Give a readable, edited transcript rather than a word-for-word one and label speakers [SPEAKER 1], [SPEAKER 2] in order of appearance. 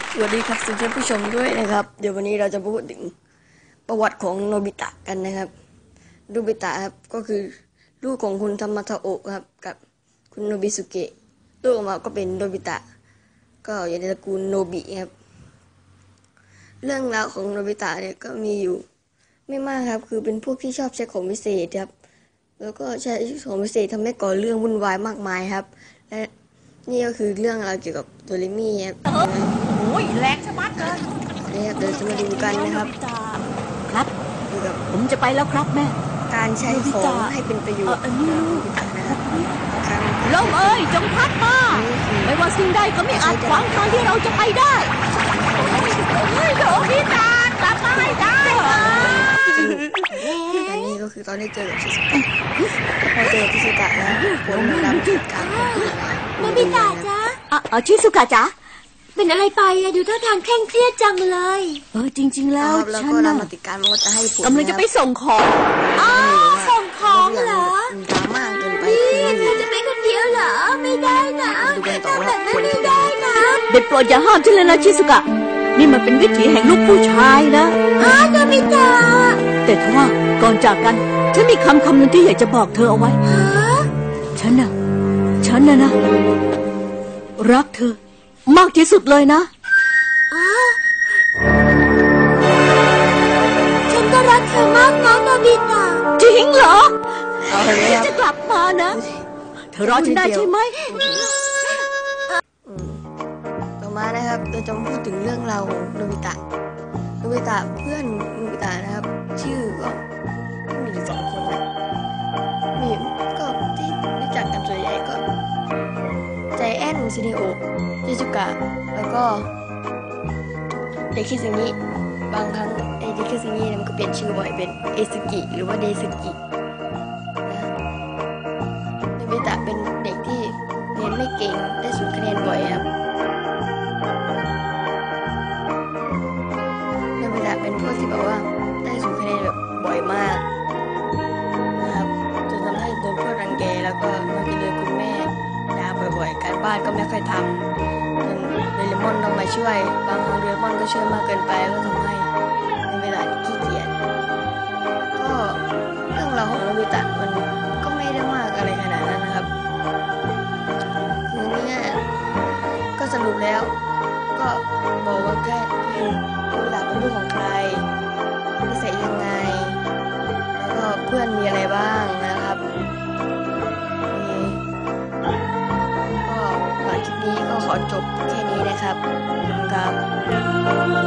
[SPEAKER 1] สวัสดีครับท่านผู้ชมด้วยนะครับเดี๋ยววันนี้เราจะพูดถึงประวัติของโนบิตะกันนะครับโนบิตะครับก็คือลูกของคุณทามาทาโอะครับกับคุณโนบิสุเกะลูกออกมาก็เป็นโนบิตะก็อยู่ในตระกูลโนบิครับเรื่องราวของโนบิตะเนี่ยก็มีอยู่ไม่มากครับคือเป็นพวกที่ชอบใช้ของพิเศษครับแล้วก็ใช้ของพิเศษทำให้ก่อเรื่องวุ่นวายมากมายครับและนี่ก็คือเรื่องราวเกี่ยวกับโดเรมิครับ
[SPEAKER 2] โอ้ยแรงชะมัดเลย
[SPEAKER 1] นี่ครับเดี๋ยวจะมาดูกันนะครับ
[SPEAKER 2] ครับ
[SPEAKER 1] เกี่ยวกับ
[SPEAKER 2] ผมจะไปแล้วครับแม่
[SPEAKER 1] การใช้ของให้เป็นประโยชน์นะครับ
[SPEAKER 2] ลมเอ้ยจงพัดมาไม่ว่าสิ่งใดก็ไม่อาจขวางทางที่เราจะไปได้เฮ้ยโดบิตากลับมาให้ได้
[SPEAKER 1] อันนี้ก็คือตอนที่เจอกับชิซุกะพอเจอชิซุกะแล้วผลมันดำจุดกลาง
[SPEAKER 3] โนบิตะจ๊ะ
[SPEAKER 2] ชิซุกะจ๊ะ
[SPEAKER 3] เป็นอะไรไปอะดูท่าทางเคร่งเครียดจังเลย
[SPEAKER 2] จริงๆแล้ว
[SPEAKER 1] ฉันน่ะปฏิการมันก็จะให้ผล
[SPEAKER 2] กำลังจะไปส่งของ
[SPEAKER 3] ส่งของเหรอ
[SPEAKER 1] ดราม่าเกินไป
[SPEAKER 3] เธอจะไปคนเดียวเหรอไม่ได้นะทำแบบนั้นไม่ได้นะ
[SPEAKER 2] เด็ดโปรดอย่าห้ามฉันเลยนะชิซุกะนี่มันเป็นวิถีแห่งลูกผู้ชายนะ
[SPEAKER 3] โนบิตะ
[SPEAKER 2] แต่ทว่าก่อนจากกันฉันมีคำหนึ่งที่อยากจะบอกเธอเอาไว้ฉันน่ะนะรักเธอมากที่สุดเลยนะ
[SPEAKER 3] ฉันก็รักเธอมากนะโนบิตะ
[SPEAKER 2] จริงเหรอจะกลับมานะเธอรอฉันได้ใช่ไหม
[SPEAKER 1] ต่อมานะครับเราจะมาพูดถึงเรื่องราวของโนบิตะเพื่อนโนบิตะนะครับชื่อก็มีอยู่2 คนนะมีก็ที่รู้จักกันส่วนใหญ่ก็ใจแอนซินิโอชิซุกะแล้วก็เด็กคิซึงิบางครั้งไอ้เด็กคิซึงิมันก็เปลี่ยนชื่อบ่อยเป็นเอซึกิหรือว่าเดซึกินะโนบิตะเป็นเด็กที่เรียนไม่เก่งได้0 คะแนนบ่อยครับโนบิตะเป็นพวกที่แบบว่าได้0 คะแนนแบบบ่อยมากนะครับจนทำให้โดนเพื่อนรังแกแล้วก็มักจะโดนคุณแม่ด่าบ่อยๆการบ้านก็ไม่ค่อยทำจนโดเรมอนต้องมาช่วยบางครั้งโดเรมอนก็ช่วยมากเกินไปก็ทำให้โนบิตะขี้เกียจก็เรื่องราวของโนบิตะมันก็ไม่ได้มากอะไรขนาดนั้นนะครับคือเนี่ยก็สรุปแล้วก็บอกว่าแค่คือโนบิตะเป็นลูกของใครนิสัยยังไงแล้วก็เพื่อนมีอะไรบ้างนะครับก็คลิปนี้ก็ขอจบแค่นี้นะครับขอบคุณครับ